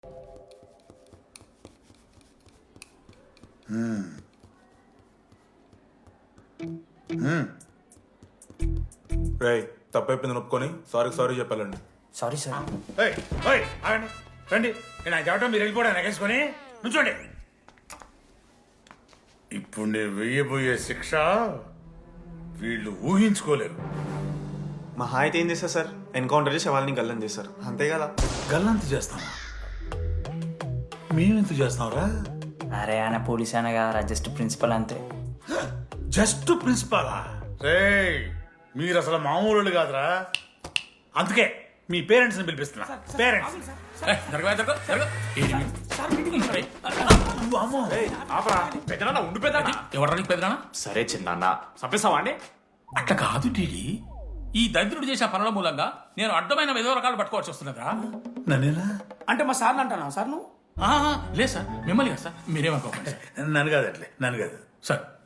రే తప్పైపోయింది ఒప్పుకొని సారీ చెప్పాలండి. Sorry sir. ఆగండి రండి. నేను ఆయన చెప్పడం మీరు వెళ్ళిపోవడం ఎగేసుకొని నుంచోండి. ఇప్పుడు నేను వెయ్యబోయే శిక్ష వీళ్ళు ఊహించుకోలేరు. మహా అయితే ఏం చేస్తారు సార్? ఎన్కౌంటర్ చేసి వాళ్ళని గల్లం చేస్తారు, అంతే కదా? గల్లంత చేస్తాం. మేమెంత చేస్తాంరా? అరే ఆయన పోలీస్ అయినా కదా, జస్ట్ ప్రిన్సిపల్ అంతే. జస్ట్ ప్రిన్సిపాలా? రే మీరు అసలు మామూలు కాదురా. అందుకే మీ పేరెంట్స్ ని పిలిపిస్తున్నా. పేరెంట్స్ ఎవరికి పెద్దనా? సరే చిన్న చంపేస్తావా అండి? అట్లా కాదు టీడీ. ఈ దరిద్రుడు చేసిన పనుల మూలంగా నేను అడ్డమైన ఏదో రకాలు పట్టుకోవాల్సి వస్తున్నదా? నన్నేనా అంటే మా సార్ అంటానా సార్ నువ్వు? లేదు సార్, మిమ్మల్ని కదా సార్, మీరేమనుకోకండి సార్. నన్ను కాదు, అట్లే నన్ను కాదు సార్.